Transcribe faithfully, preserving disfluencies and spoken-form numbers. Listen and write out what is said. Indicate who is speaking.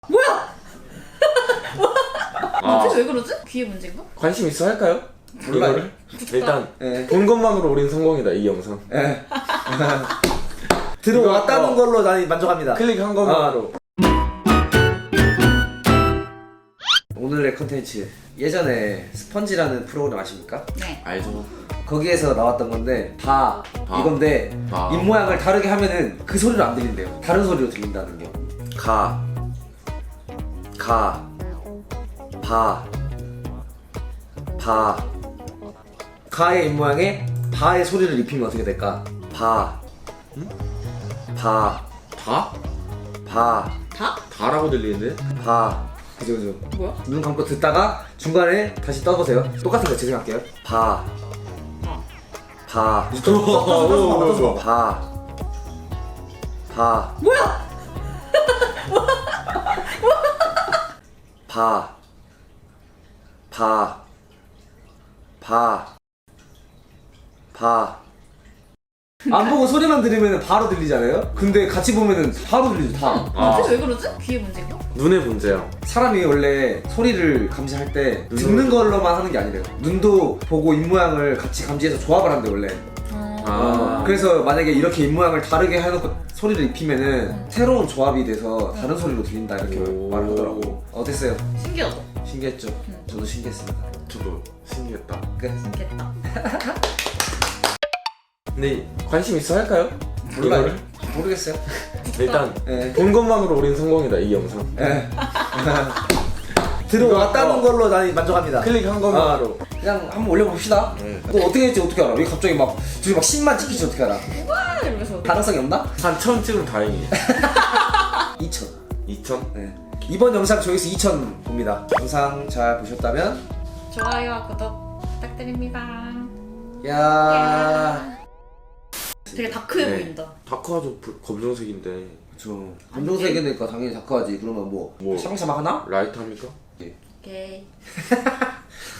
Speaker 1: 뭐야?
Speaker 2: 아.
Speaker 1: 왜 그러지? 귀에 문제인가?
Speaker 2: 관심 있어 할까요?
Speaker 3: 몰라요.
Speaker 2: 이거를? 일단
Speaker 3: 예.
Speaker 2: 본 것만으로 우린 성공이다 이 영상.
Speaker 3: 예. 들어왔다는
Speaker 2: 이거, 어.
Speaker 3: 걸로 난 만족합니다.
Speaker 2: 클릭한 것만으로.
Speaker 3: 오늘의 컨텐츠, 예전에 스펀지라는 프로그램 아십니까?
Speaker 1: 네.
Speaker 2: 알죠.
Speaker 3: 거기에서 나왔던 건데 바,
Speaker 2: 바.
Speaker 3: 이건데
Speaker 2: 바.
Speaker 3: 입 모양을 다르게 하면은 그 소리로 안 들린대요. 다른 소리로 들린다는 게. 가, 가, 바, 바. 가의 입 모양에 바의 소리를 입히면 어떻게 될까? 바,
Speaker 2: 응?
Speaker 3: 바,
Speaker 2: 다?
Speaker 3: 바,
Speaker 1: 다?
Speaker 2: 다라고 들리는데?
Speaker 3: 바. 그죠 그죠.
Speaker 1: 뭐야?
Speaker 3: 눈 감고 듣다가 중간에 다시 떠보세요. 똑같은 거 재생할게요. 바, 바,
Speaker 2: 오,
Speaker 3: 바, 바,
Speaker 1: 뭐야?
Speaker 3: 바, 바, 바, 바. 안 보고 소리만 들으면 바로 들리잖아요? 근데 같이 보면은 바로 들리죠, 다.
Speaker 2: 아.
Speaker 1: 도대체 왜 그러지? 귀에 문제인가?
Speaker 2: 눈의 문제야.
Speaker 3: 사람이 원래 소리를 감지할 때 듣는 걸로만 하는 게 아니래요. 눈도 보고 입 모양을 같이 감지해서 조합을 한대, 원래.
Speaker 1: 어...
Speaker 2: 아.
Speaker 3: 그래서 만약에 이렇게 입 모양을 다르게 해놓고 소리를 입히면은 새로운 조합이 돼서 다른 소리로 들린다, 이렇게
Speaker 2: 오.
Speaker 3: 말하더라고. 어땠어요?
Speaker 1: 신기하다.
Speaker 3: 신기했죠?
Speaker 1: 응.
Speaker 3: 저도 신기했습니다.
Speaker 2: 저도 신기했다.
Speaker 3: 끝.
Speaker 1: 신기했다.
Speaker 2: 근데 관심 있어 할까요?
Speaker 3: 몰라요.
Speaker 2: 이거를?
Speaker 3: 모르겠어요.
Speaker 2: 일단
Speaker 3: 예.
Speaker 2: 본 것만으로 우린 성공이다 이 영상.
Speaker 3: 예. 들어왔다는
Speaker 2: 이거,
Speaker 3: 걸로 난 만족합니다.
Speaker 2: 클릭한 것만으로.
Speaker 3: 그냥 한번 올려봅시다.
Speaker 2: 네.
Speaker 3: 또 어떻게 될지 어떻게 알아? 왜 갑자기 막 둘이 막 십만 찍히지 어떻게 알아?
Speaker 1: 와 이러면서.
Speaker 3: 가능성이 없나?
Speaker 2: 한 천 찍으면 다행이에요.
Speaker 3: 이천.
Speaker 2: 이천?
Speaker 3: 네. 이번 영상 조회수 이천 봅니다. 영상 잘 보셨다면
Speaker 1: 좋아요와 구독 부탁드립니다.
Speaker 3: 야.
Speaker 1: 되게 다크해
Speaker 2: 네.
Speaker 1: 보인다.
Speaker 2: 다크아주 불- 검정색인데
Speaker 3: 그쵸. 검정색이니까 당연히 다크하지. 그러면 뭐,
Speaker 2: 뭐.
Speaker 3: 샤방샤방 하나?
Speaker 2: 라이트 합니까?
Speaker 1: 오케이.